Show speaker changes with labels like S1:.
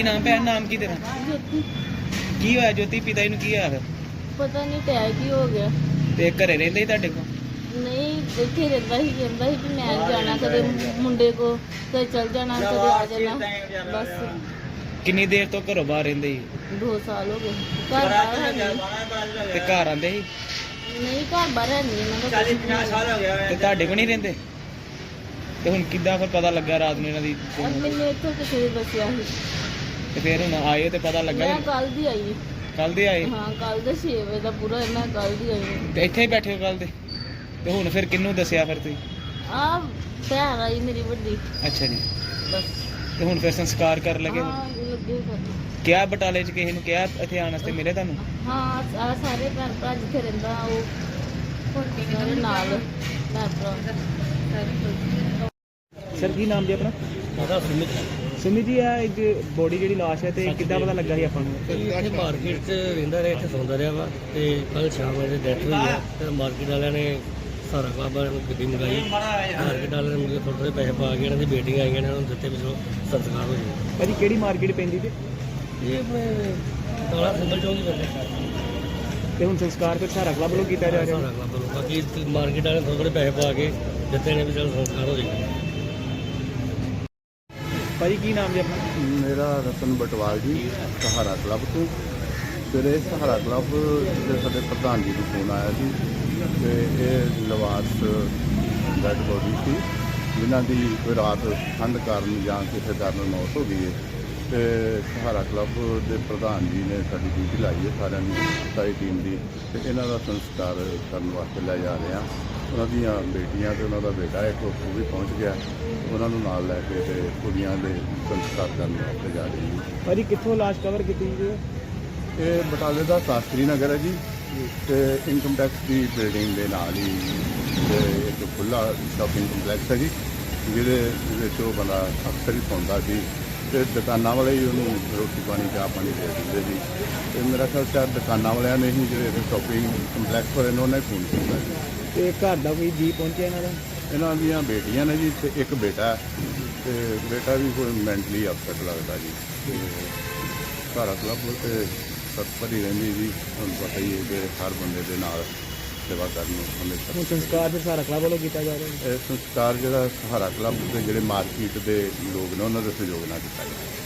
S1: नाम भैन नाम की तेरा
S2: ਜੋਤੀ
S1: की होया ज्योति पिता जी ਨੂੰ ਕੀ ਹੋਇਆ ਫਿਰ
S2: ਪਤਾ ਨਹੀਂ ਟੈਗ ਹੀ ਹੋ ਗਿਆ।
S1: ਤੇ ਘਰੇ ਰਹਿੰਦੇ ਸੀ ਤੁਹਾਡੇ ਕੋਲ
S2: ਨਹੀਂ ਇੱਥੇ ਰਹਿੰਦਾ ਸੀ, ਕਹਿੰਦਾ ਸੀ ਕਿ ਮੈਂ ਜਾਣਾ ਕਦੇ ਮੁੰਡੇ ਕੋ, ਕਦੇ ਚਲ ਜਾਣਾ ਕਦੇ ਆ ਜਾਣਾ। ਬਸ
S1: ਕਿੰਨੀ ਦੇਰ ਤੋਂ ਘਰੋਂ ਬਾਹਰ ਰਹਿੰਦੇ ਸੀ
S2: 2 ਸਾਲ ਹੋ ਗਏ। ਘਰ ਬਾਹਰ ਹੈ ਨਹੀਂ।
S1: ਤੇ ਘਰ ਆਂਦੇ ਸੀ
S2: ਨਹੀਂ ਘਰ ਬਾਹਰ ਹੈ ਨਹੀਂ ਇਹਨਾਂ ਦਾ।
S3: 40-50 ਹੋ ਗਿਆ
S1: ਤੇ ਤੁਹਾਡੇ ਕੋਲ ਨਹੀਂ ਰਹਿੰਦੇ ਤੇ ਹੁਣ ਕਿੱਦਾਂ ਫਿਰ ਪਤਾ ਲੱਗਾ ਰਾਤ ਨੂੰ ਇਹਨਾਂ ਦੀ
S2: ਮੈਨੂੰ ਇੱਥੋਂ ਕਿਸੇ ਨੇ ਦੱਸਿਆ ਸੀ।
S1: ਤੇ ਫਿਰ ਹੁਣ ਆਏ ਤੇ ਪਤਾ ਲੱਗਾ
S2: ਮੈਂ ਕੱਲ ਦੀ ਆਈ।
S1: ਕੱਲ ਦੇ ਆਏ
S2: ਹਾਂ ਕੱਲ ਦੇ 6 ਵਜੇ ਦਾ ਪੂਰਾ ਮੈਂ ਕੱਲ ਦੀ ਆਈ।
S1: ਤੇ ਇੱਥੇ ਹੀ ਬੈਠੇ ਹੋ ਕੱਲ ਦੇ ਤੇ ਹੁਣ ਫਿਰ ਕਿਹਨੂੰ ਦੱਸਿਆ ਫਿਰ ਤੁਸੀਂ
S2: ਆ ਭੈਣ ਆਈ ਮੇਰੀ ਵੱਡੀ।
S1: ਅੱਛਾ ਜੀ
S2: ਬਸ
S1: ਤੇ ਹੁਣ ਫਿਰ ਸੰਸਕਾਰ ਕਰਨ ਲੱਗੇ
S2: ਹਾਂ ਲੱਗੇ ਕਰਨ।
S1: ਕਿਆ ਬਟਾਲੇ 'ਚ ਕਿਸੇ ਨੂੰ ਕਿਹਾ ਇੱਥੇ ਆਉਣ ਵਾਸਤੇ ਮਿਲੇ ਤੁਹਾਨੂੰ
S2: ਹਾਂ ਆ ਸਾਰੇ ਭੈਣ ਭਰਾ ਜਿੱਥੇ ਰਹਿੰਦਾ ਉਹ ਸਾਰੇ ਨਾਲ ਭੈਣ ਭਰਾ
S1: ਸਰ ਕੀ ਨਾਮ ਜੀ ਆਪਣਾ
S3: ਉਹਦਾ ਸੁਮਿਤ
S1: ਸੁਮਿਤ ਜੀ ਆ ਇੱਕ ਬੋਡੀ ਜਿਹੜੀ ਲਾਸ਼ ਹੈ ਤੇ ਕਿੱਦਾਂ ਪਤਾ ਲੱਗਾ ਸੀ ਆਪਾਂ ਨੂੰ
S3: ਇੱਥੇ ਮਾਰਕੀਟ 'ਚ ਰਹਿੰਦਾ ਰਿਹਾ, ਇੱਥੇ ਸੌਂਦਾ ਰਿਹਾ ਵਾ ਤੇ ਕੱਲ ਸ਼ਾਮ ਵੇਲੇ ਡੈਥ ਹੋਈ ਆ ਤੇ ਮਾਰਕੀਟ ਵਾਲਿਆਂ ਨੇ ਸਾਰਾ ਬਾਬਾ ਨੂੰ ਗੱਡੀ ਮੰਗਾਈ। ਮਾਰਕੀਟ ਵਾਲਿਆਂ ਨੇ ਥੋੜ੍ਹੇ ਥੋੜ੍ਹੇ ਪੈਸੇ ਪਾ ਕੇ ਇਹਨਾਂ ਦੀ ਬੇਟੀਆਂ ਆਈਆਂ ਨੇ, ਉਹਨਾਂ ਨੂੰ ਦਿੱਤੇ ਵਿੱਚੋਂ ਸੰਸਕਾਰ ਹੋ ਜਾਵੇ।
S1: ਭਾਜੀ ਕਿਹੜੀ ਮਾਰਕੀਟ ਪੈਂਦੀ ਤੇ
S3: ਇਹ ਆਪਣੇ ਕਾਲਾ ਸਿੰਬਲ ਚੌਂਕ ਹੀ ਪੈਂਦਾ।
S1: ਤੇ ਹੁਣ ਸੰਸਕਾਰ ਫਿਰ ਸਾਰਾ ਕਲੱਬ ਵੱਲੋਂ ਕੀਤਾ ਜਾ ਰਿਹਾ
S3: ਸਾਰਾ ਕਲੱਬ ਵੱਲੋਂ। ਬਾਕੀ ਮਾਰਕੀਟ ਵਾਲਿਆਂ ਨੇ ਥੋੜ੍ਹੇ ਥੋੜ੍ਹੇ ਪੈਸੇ ਪਾ ਕੇ ਦਿੱਤੇ ਨੇ ਵੀ ਚਲ ਸੰਸਕਾਰ ਹੋ ਜਾਵੇ।
S1: ਭਾਜੀ ਕੀ ਨਾਮ ਜੀ ਆਪਣਾ
S4: ਮੇਰਾ ਰਤਨ ਬਟਵਾਲ ਜੀ, ਸਹਾਰਾ ਕਲੱਬ ਤੋਂ। ਸਵੇਰੇ ਸਹਾਰਾ ਕਲੱਬ ਦੇ ਸਾਡੇ ਪ੍ਰਧਾਨ ਜੀ ਨੂੰ ਫੋਨ ਆਇਆ ਸੀ ਤੇ ਇਹ ਲਵਾਰਸ ਡੈਡ ਬੋਡੀ ਸੀ ਜਿਨ੍ਹਾਂ ਦੀ ਕੋਈ ਰਾਤ ਠੰਡ ਕਾਰਨ ਜਾਂ ਕਿਸੇ ਕਾਰਨ ਮੌਤ ਹੋ ਗਈ ਹੈ। ਤੇ ਸਹਾਰਾ ਕਲੱਬ ਦੇ ਪ੍ਰਧਾਨ ਜੀ ਨੇ ਸਾਡੀ ਡਿਊਟੀ ਲਾਈ ਹੈ ਸਾਰਿਆਂ ਨੂੰ, ਸਾਰੀ ਟੀਮ ਦੀ, ਤੇ ਇਹਨਾਂ ਦਾ ਸੰਸਕਾਰ ਕਰਨ ਵਾਸਤੇ ਲੈ ਜਾ ਰਹੇ ਹਾਂ। ਉਹਨਾਂ ਦੀਆਂ ਬੇਟੀਆਂ ਤੇ ਉਹਨਾਂ ਦਾ ਬੇਟਾ ਇੱਕ ਉਹ ਵੀ ਪਹੁੰਚ ਗਿਆ, ਉਹਨਾਂ ਨੂੰ ਨਾਲ ਲੈ ਕੇ ਤੇ ਕੁੜੀਆਂ ਦੇ ਸੰਸਕਾਰ ਕਰਨ ਵਾਸਤੇ ਜਾ ਰਹੀ ਹੈ।
S1: ਭਾਜੀ ਕਿੱਥੋਂ ਲਾਸ਼ ਕਵਰ ਕੀਤੀ ਜੀ
S4: ਇਹ ਬਟਾਲੇ ਦਾ ਸ਼ਾਸਤਰੀ ਨਗਰ ਹੈ ਜੀ, ਤੇ ਇਨਕਮ ਟੈਕਸ ਦੀ ਬਿਲਡਿੰਗ ਦੇ ਨਾਲ ਹੀ ਤੇ ਇੱਕ ਖੁੱਲ੍ਹਾ ਸ਼ਾਪਿੰਗ ਕੰਪਲੈਕਸ ਹੈ ਜੀ, ਜਿਹਦੇ ਵਿੱਚ ਉਹ ਬੰਦਾ ਅਕਸਰ ਹੀ ਸੌਂਦਾ ਸੀ ਤੇ ਦੁਕਾਨਾਂ ਵਾਲੇ ਹੀ ਉਹਨੂੰ ਰੋਟੀ ਪਾਣੀ ਚਾਹ ਪਾਣੀ ਦੇ ਦਿੰਦੇ ਸੀ। ਤੇ ਮੇਰਾ ਖਿਆਲ ਸ਼ਾਇਦ ਦੁਕਾਨਾਂ ਵਾਲਿਆਂ ਨੇ ਹੀ ਜਿਹੜੇ ਸ਼ਾਪਿੰਗ ਕੰਪਲੈਕਸ ਵਾਲੇ ਨੇ ਉਹਨਾਂ ਨੇ ਫੋਨ ਕੀਤਾ ਜੀ।
S1: ਤੇ ਘਰ ਦਾ ਕੋਈ ਜੀ ਪਹੁੰਚਿਆ ਇਹਨਾਂ ਦਾ
S4: ਇਹਨਾਂ ਦੀਆਂ ਬੇਟੀਆਂ ਨੇ ਜੀ ਤੇ ਇੱਕ ਬੇਟਾ ਹੈ, ਤੇ ਬੇਟਾ ਵੀ ਕੋਈ ਮੈਂਟਲੀ ਅਪਸੈਟ ਲੱਗਦਾ ਜੀ। ਤੇ ਸਾਰਾ ਕਲੱਬ ਤੇ ਤਤਪਰ ਹੀ ਰਹਿੰਦੀ ਜੀ, ਤੁਹਾਨੂੰ ਪਤਾ ਹੀ ਹੈ ਕਿ ਹਰ ਬੰਦੇ ਦੇ ਨਾਲ ਸੇਵਾ ਕਰਨ ਨੂੰ
S1: ਹੁਣ
S4: ਹਮੇਸ਼ਾ।
S1: ਸੰਸਕਾਰ ਫਿਰ ਸਾਰਾ ਕਲੱਬ ਵੱਲੋਂ ਕੀਤਾ ਜਾ ਰਿਹਾ
S4: ਇਹ ਸੰਸਕਾਰ ਜਿਹੜਾ ਸਹਾਰਾ ਕਲੱਬ ਦੇ ਜਿਹੜੇ ਮਾਰਕੀਟ ਦੇ ਲੋਕ ਨੇ ਉਹਨਾਂ ਦੇ ਸਹਿਯੋਗ ਨਾਲ ਕੀਤਾ ਜਾਂਦਾ।